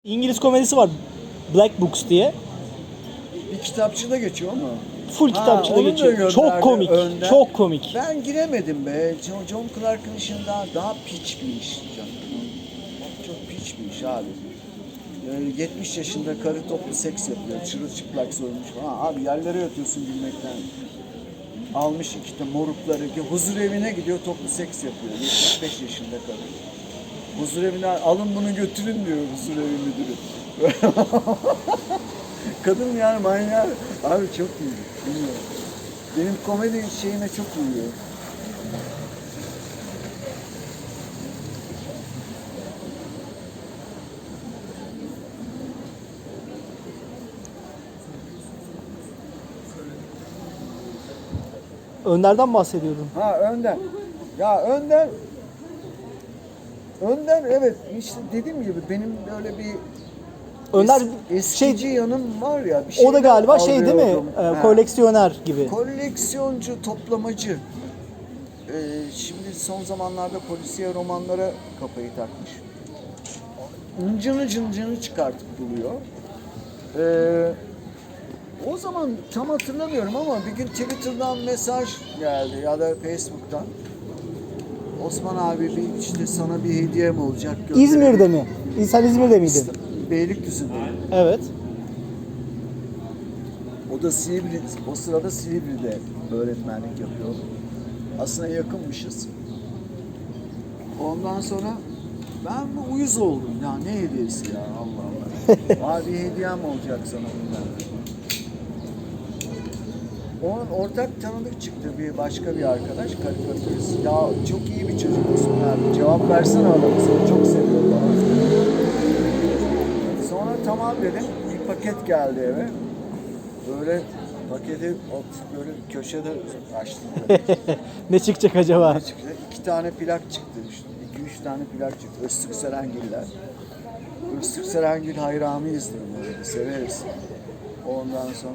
İngiliz komedisi var. Black Books diye. Bir kitapçıda geçiyor ama. Full kitapçıda onu da geçiyor. gönderdi Çok komik. önden. Çok komik. Ben giremedim be. John Clark'ın işinden daha piç bir iş. Çok piç bir iş abi. 70 yaşında karı toplu seks yapıyor. Çırılçıplak soymuş falan. Abi yerlere yatıyorsun gülmekten. Almış iki de morukları. Huzur evine gidiyor, toplu seks yapıyor. 75 yaşında karı. Huzur evine alın bunu götürün diyor huzur evi müdürü. Kadın yani manyak. Abi çok iyi. Bilmiyorum. Benim komedi şeyine çok uyuyor. Önder'den bahsediyordun. Ha Önder. Ya Önder evet işte dediğim gibi benim böyle bir Önder eskici yanım var ya. Bir o da şeyler galiba şey değil mi? alıyordum. Koleksiyoner gibi. Koleksiyoncu, toplamacı. Şimdi son zamanlarda polisiye romanlara kafayı takmış. Cıncını çıkartıp buluyor. O zaman tam hatırlamıyorum ama bir gün Twitter'dan mesaj geldi ya da Facebook'tan. Osman abi bir işte sana bir hediyem olacak. İzmir'de mi? Sen İzmir'de miydin? Beylikdüzü'nde. Evet. O da o sırada Silivri'de öğretmenlik yapıyor. Aslında yakınmışız. Ondan sonra ben bu uyuz oldum ya ne hediyesi ya Allah Allah. Abi hediyem olacak sana bundan. Onun ortak tanıdık çıktı bir başka bir arkadaş karikatürist. Ya çok iyi bir çocuk Osman abi. Cevap versene adamı seni çok seviyor falan. Sonra tamam dedim. Bir paket geldi eve. Böyle paketi böyle köşede açtım. Ne çıkacak acaba? Ne çıktı? 2 tane plak çıktı. 2-3 tane plak çıktı. Öztürk Serengiller. Öztürk Serengil hayranıyız böyle. Severiz. Ondan sonra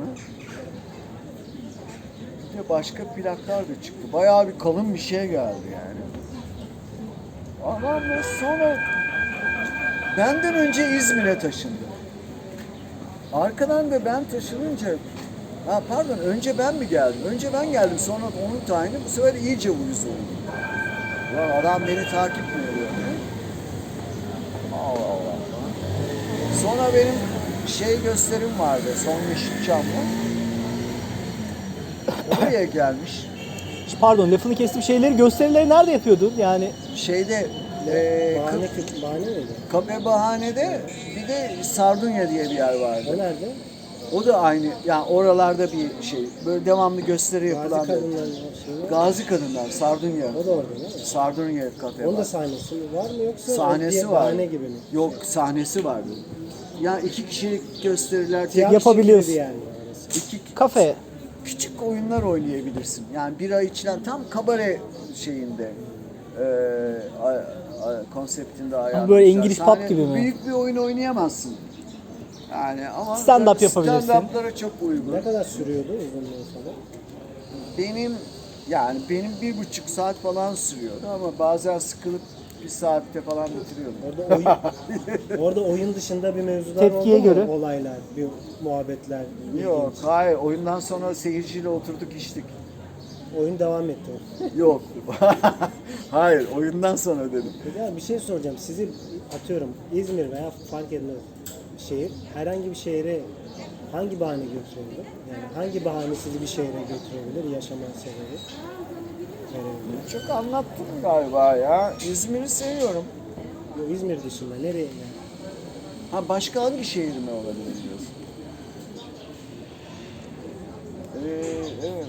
bir de başka plaklar da çıktı. Bayağı bir kalın bir şey geldi yani. Ama sonra benden önce İzmir'e taşındı. Arkadan da ben taşınınca pardon önce ben mi geldim? Önce ben geldim sonra onun tayini bu sefer iyice uyuz oldu. Ulan adam beni takip mi ediyor? Allah Allah. Sonra benim gösterim vardı. Son Yeşilçam'da. Oraya gelmiş. Pardon lafını kestim. Gösterileri nerede yapıyordun? Yani Bahane miydi? Kafe Bahane'de bir de Sardunya diye bir yer vardı. O nerede? O da aynı. Yani oralarda bir şey. Böyle devamlı gösteri yapılan. Gazi Kadınlar şeyi. Gazi Kadınlar, Sardunya. O da orada değil mi? Sardunya kafe Onun da var. sahnesi var mı yoksa Sahnesi o var. bahane gibi mi? Yok sahnesi vardı. Ya 2 kişilik gösteriler, Tiyatro yapabiliyorsun. gibi yani. kafe. küçük oyunlar oynayabilirsin. Yani bira içilen tam kabare şeyinde konseptinde ayarlamışlar. Böyle İngiliz pub gibi mi? Büyük bir oyun oynayamazsın. Yani ama Stand-up yapabilirsin. Stand-up'lara çok uygun. Ne kadar sürüyordu uzunluğu sonra? Benim 1,5 saat falan sürüyordu ama bazen sıkılıp 1 saatte falan bitiriyordum. Orada oyun dışında bir mevzular Tepkiye oldu mu? göre. Olaylar, bir muhabbetler. Yok, ilginç. hayır. Oyundan sonra seyirciyle oturduk içtik. Oyun devam etti. Yok. Hayır, oyundan sonra dedim. Ya bir şey soracağım. Sizi atıyorum İzmir veya fark etmez şehir herhangi bir şehre hangi bahane götürebilir? Yani hangi bahane sizi bir şehre götürebilir yaşama sebebi? verebilir? Çok anlattım galiba ya. İzmir'i seviyorum. Yok, İzmir dışında nereye yani? Başka hangi şehir mi olabilir diyorsun? Evet.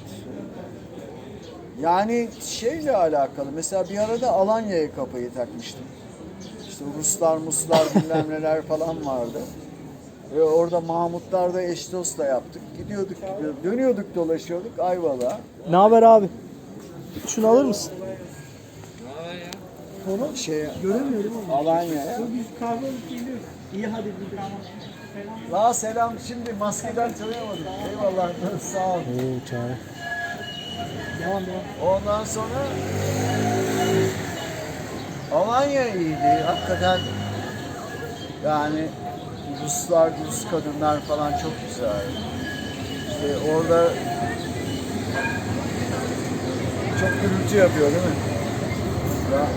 Yani şeyle alakalı. Mesela bir arada Alanya'ya kafayı takmıştım. İşte Ruslar, Muslar bilmem neler falan vardı. Ve orada Mahmutlar'da eş dost da yaptık. Gidiyorduk, dönüyorduk, dolaşıyorduk Ayvalık'a. Ne haber abi? Şunu alır mısın? Onu Göremiyorum ama. Alanya'ya. Biz kahve alıp geliyoruz. İyi hadi bir La selam, şimdi maskeden tanıyamadım. Eyvallah, sağ ol. Oo çare. Devam. Ondan sonra Alanya iyiydi hakikaten. Yani Ruslar, Rus kadınlar falan çok güzel. İşte orada çok gürültü yapıyor değil mi? Ya.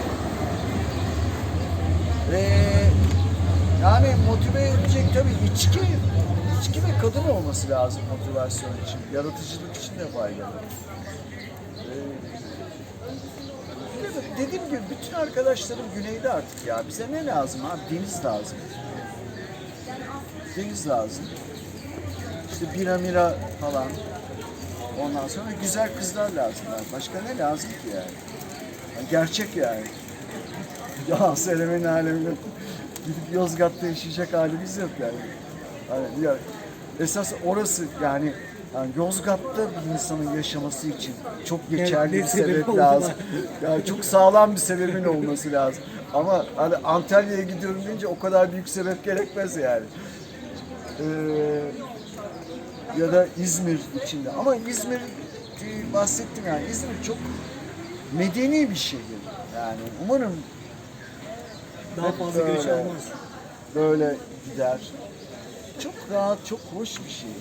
Ve yani motive edecek tabii içki ve kadın olması lazım motivasyon için. Yaratıcılık için de faydalı. Dediğim gibi bütün arkadaşlarım güneyde artık ya. Bize ne lazım abi? Deniz lazım. Deniz lazım. İşte bira mira falan. Ondan sonra güzel kızlar lazım. Başka ne lazım ki yani? Yani gerçek yani. Ya Selemen'in aleminde gidip Yozgat'ta yaşayacak halimiz yok yani. Hani ya, esas orası yani Yozgat'ta bir insanın yaşaması için çok geçerli Evet, bir bir sebep sebep oldu lazım. da. Yani çok sağlam bir sebebin olması lazım. Ama hani Antalya'ya gidiyorum deyince o kadar büyük sebep gerekmez yani. Ya da İzmir içinde. Ama İzmir bahsettim yani. İzmir çok medeni bir şehir. Yani umarım Daha hep fazla göç böyle- almaz. böyle gider. Çok rahat, çok hoş bir şehir.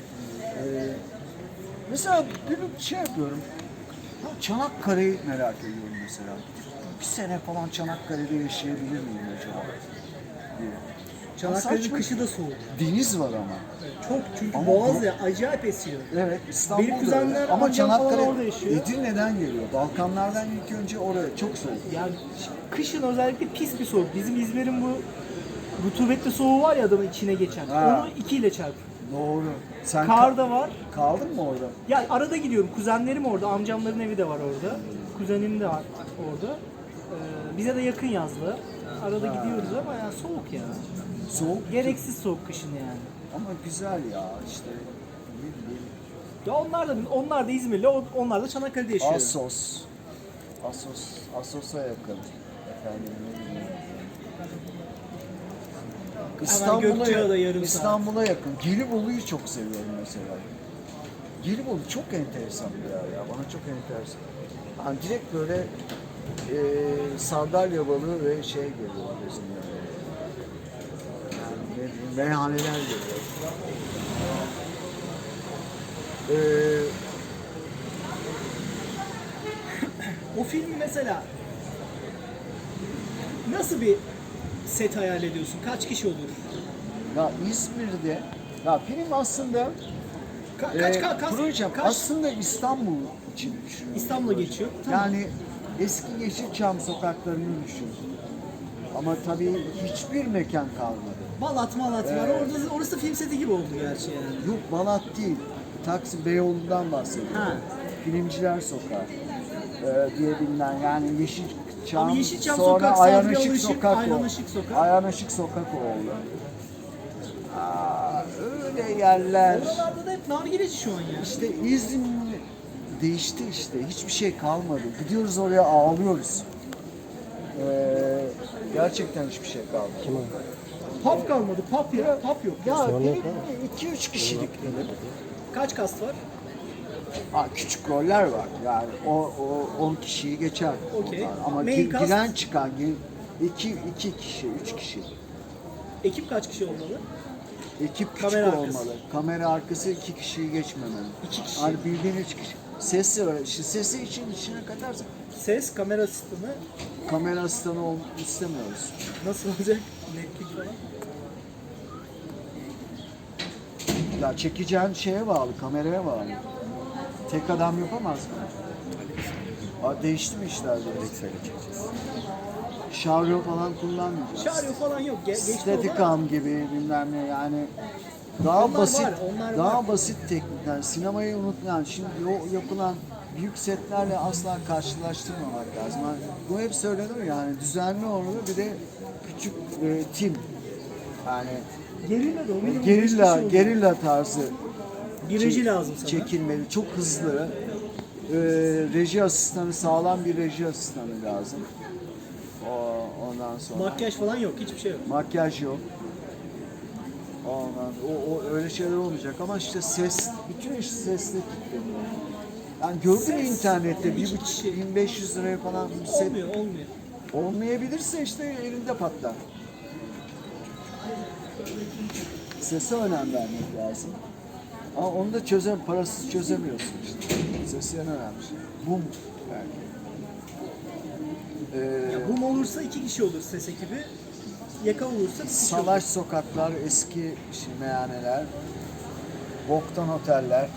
Mesela bir şey yapıyorum. Ya Çanakkale'yi merak ediyorum mesela. Bir sene falan Çanakkale'de yaşayabilir miyim acaba? diye. Çanakkale'nin Saçma. kışı da soğuk. Deniz var ama. Çok çünkü Ama boğaz bu- ya acayip esiyor. Evet, İstanbul'da Benim kuzenler, öyle. Ama amcam falan Çanakkale orada yaşıyor. Edirne'den geliyor. Balkanlardan ilk önce oraya çok soğuk. Yani kışın özellikle pis bir soğuk. Bizim İzmir'in bu rutubetli soğuğu var ya adamın içine geçen. Ha. Onu 2 ile çarp. Doğru. Sen Kar da var. kaldın mı orada? Ya arada gidiyorum. Kuzenlerim orada. Amcamların evi de var orada. Kuzenim de var orada. Bize de yakın yazlı. Arada gidiyoruz ama yani soğuk ya. Soğuk. Gereksiz soğuk kışın yani. Ama güzel ya işte. Ne bileyim. Ya onlar da İzmirli, onlar da Çanakkale'de yaşıyor. Assos'a yakın. Efendim ne bileyim. Gökçeada yarım saat. İstanbul'a yakın. Gelibolu'yu çok seviyorum mesela. Gelibolu çok enteresan bir yer ya. Bana çok enteresan. Yani direkt böyle sardalya balığı ve şey geliyor gözümden. Yani ne bileyim, meyhaneler geliyor. O filmi mesela nasıl bir set hayal ediyorsun? Kaç kişi olur? Ya İzmir'de ya film aslında projem kaç aslında İstanbul için düşünüyorum. İstanbul'a geçiyor? Tamam. Yani eski Yeşilçam sokaklarını düşün. Ama tabii hiçbir mekan kalmadı. Balat var. Orası film seti gibi oldu gerçi yani. Yok Balat değil. Taksim Beyoğlu'ndan bahsediyorum. Ha. Filmciler Sokağı diye bilinen yani Yeşilçam, Ama Yeşilçam sonra Sokak, Ayhan Sabri Işık Alışık, Sokak Ayhan oldu. Işık Sokak. Ayhan Işık Sokak oldu. Öyle yerler. Oralarda da hep nargileci şu an ya. İşte İzmir değişti işte. Hiçbir şey kalmadı. Gidiyoruz oraya ağlıyoruz. Gerçekten hiçbir şey kalmadı. Pub kalmadı. Pub ya. Pub yok. Ya benim 2-3 kişilik dedim. Kaç kast var? Küçük roller var. Yani o 10 kişiyi geçer. Okey. Onlar. Ama Main cast? giren çıkan 2 kişi, 3 kişi. Ekip kaç kişi olmalı? Ekip küçük Kamera arkası. olmalı. Kamera arkası 2 kişiyi geçmemeli. 2 kişi. Hani bildiğin 3 kişi. Sesi var. Sesi için içine katarsak Ses, kamera asistanı kamera asistanı istemiyoruz. nasıl olacak? Netlik falan. Ya çekeceğin şeye bağlı, kameraya bağlı. Tek adam yapamaz mı? Değişti mi işler biraz? Şarjör falan kullanmayacağız. Şaryo falan yok. Geçti Steadicam gibi bilmem ne yani daha Onlar basit, var, onlar daha var. basit teknikler. Sinemayı unutmayan, şimdi o yapılan büyük setlerle asla karşılaştırmamak lazım. Yani bu hep söylenir yani düzenli olur bir de küçük tim. Yani Gerilla da o minimum 5 kişi gerilla, oldu. gerilla tarzı Bir reji lazım sana. çekilmeli, çok hızlı. Reji asistanı, sağlam bir reji asistanı lazım. Ondan sonra Makyaj falan yok. Hiçbir şey yok. makyaj yok. O öyle şeyler olmayacak ama işte ses, bütün iş sesle kilitleniyor. Yani gördün mü internette iki 1.5 kişi. 1500 liraya falan bir set Olmuyor. olmayabilirse işte elinde patlar. Sese önem vermek lazım. Ama onu da parasız çözemiyorsun işte. Ses en önemli şey. Bum belki. Boom olursa 2 kişi olur ses ekibi. Yaka olursa bir kişi Salaş sokaklar, eski meyhaneler, boktan oteller.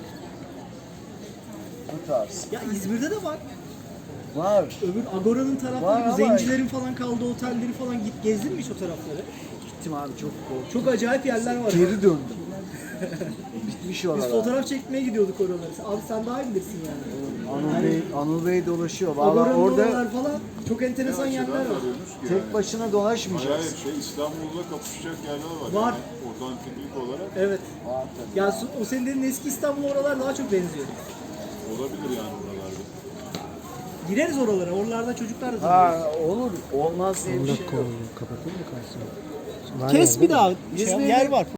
Bu tarz. olur. Ya İzmir'de de var. Var. Öbür Agora'nın Var tarafları, ama- zencilerin falan kaldığı otelleri falan gezdin mi hiç o tarafları? Gittim abi çok korktum. Çok acayip yerler var. Geri döndüm. Bitmiş Biz oralar. fotoğraf çekmeye gidiyorduk oralara. Abi sen daha iyi bilirsin yani. Anıl Bey dolaşıyor. Vallahi Agora'nın orada oralar falan çok enteresan yerler var. tek başına dolaşmayacaksın. Hayır, İstanbul'da kapışacak yerler var. Var. Yani, otantiklik olarak Evet. Var tabii. Ya o senin dediğin eski İstanbul oralar daha çok benziyor. olabilir yani oralarda. Gireriz oralara. Oralarda çocuklar da tanıyoruz. Ha olur. Olmaz diye bir şey yok. Kapatayım mı karşısına? Kes bir daha. İzmir'de- Yer var.